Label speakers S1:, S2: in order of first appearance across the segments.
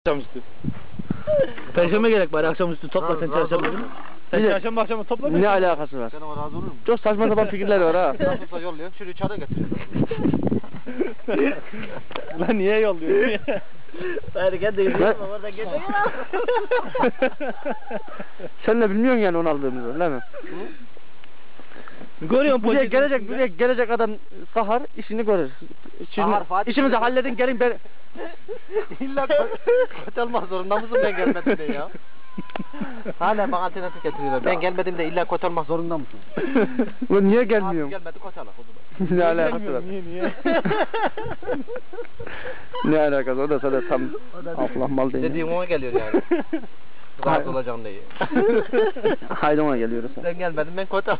S1: Akşamüstü. Perşembe gerek bari akşamüstü topla sen çarşamba günü. Sen çarşamba akşamı topla.
S2: Ne alakası var?
S3: Sen ona razı olur musun?
S2: Çok saçma sapan fikirler var ha.
S3: Nasılsa yolluyorsun, şurayı çağda getiriyorsun.
S1: Lan niye yolluyorsun?
S4: Hayır gel de yürüyelim orada gel.
S2: Sen de bilmiyorsun yani onu aldığımızı, değil mi?
S1: Görüyorum
S2: Buraya
S1: poşetin
S2: gelecek adam sahar işini görür.
S3: Sahar, Fatih.
S2: İşimizi halledin gelin ben.
S3: İlla kotelmak zorunda mısın ben gelmedim de ya? Hala bana alternatif getiriyorlar. Ben gelmedim de illa kotelmak zorunda mısın?
S2: Ulan niye
S3: Abi
S2: gelmiyorum?
S3: gelmedi kotelak o zaman.
S2: Ne alakası var?
S1: Niye?
S2: Ne alakası? O da sana tam aflah değil.
S3: Dediğim ona geliyor yani. Razı olacağım diye.
S2: Haydi ona geliyoruz.
S3: Ben gelmedim ben kotelak.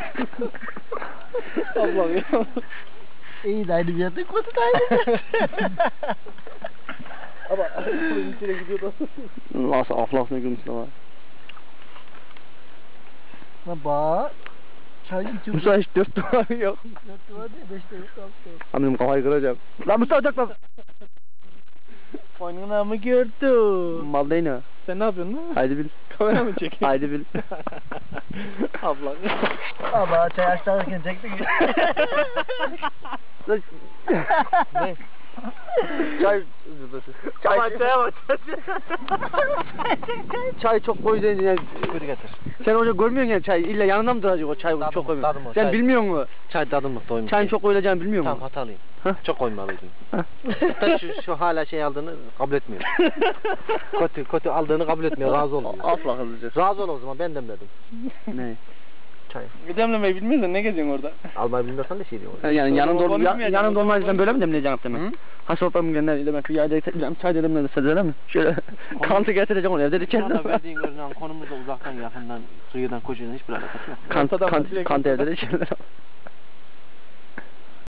S1: Allah'ım ya.
S4: İyi de aynı bir yerde kutu da aynı.
S1: Ama bunun içine gidiyordu.
S2: Nasıl aflah ne gülmüş ama.
S4: Lan bak. Çay içiyor.
S2: Musa hiç 4 duvarı yok.
S4: 4 duvar değil 5 de yok 6 da yok.
S2: Anladım kafayı kıracağım. Lan Musa ocak lan.
S1: Oyununa mı gördün?
S2: Mal değil ne?
S1: Sen ne yapıyorsun lan?
S2: Haydi bil.
S1: Kamera mı çekiyorsun?
S2: Haydi bil.
S1: Abla.
S4: Allah çay açlarken çektik.
S2: Ne? Çay...
S1: Çaya bak.
S2: Çay çok koyu deyince yani...
S3: Şükür getir.
S2: Sen hoca görmüyorsun yani çay. İlla yanında mı duracak o çay
S3: Tadım
S2: çok
S3: o,
S2: koymuyor.
S3: tadım o,
S2: Sen
S3: çay.
S2: bilmiyor musun?
S3: Çay tadımlık doymuş.
S2: Çayın çok koyulacağını bilmiyor
S3: Tamam
S2: musun?
S3: hatalıyım.
S2: Hah.
S3: Çok koymalıydım.
S2: Hah.
S3: Hatta şu hala şey aldığını kabul etmiyor. kötü aldığını kabul etmiyor. Razı olmuyor.
S2: Aflah hızlıca.
S3: Razı ol o zaman ben demledim.
S2: Ne?
S3: Çay.
S1: Demlemeyi bilmiyorsan ne geziyorsun orada?
S3: Almayı bilmiyorsan da şey diyor.
S2: Yani yanında
S1: Yanında
S2: olmayınca böyle mi demleyeceksin demek? Ha soframı gönderdiyle ben şu yayda getireceğim. Çay dedim ne de mi? Şöyle kantı getireceğim onu evde de
S3: Şu anda
S2: içerim.
S3: verdiğin görünen konumuzda uzaktan yakından kıyıdan kocuğun hiçbir alakası yok.
S2: Kant evde de içerler.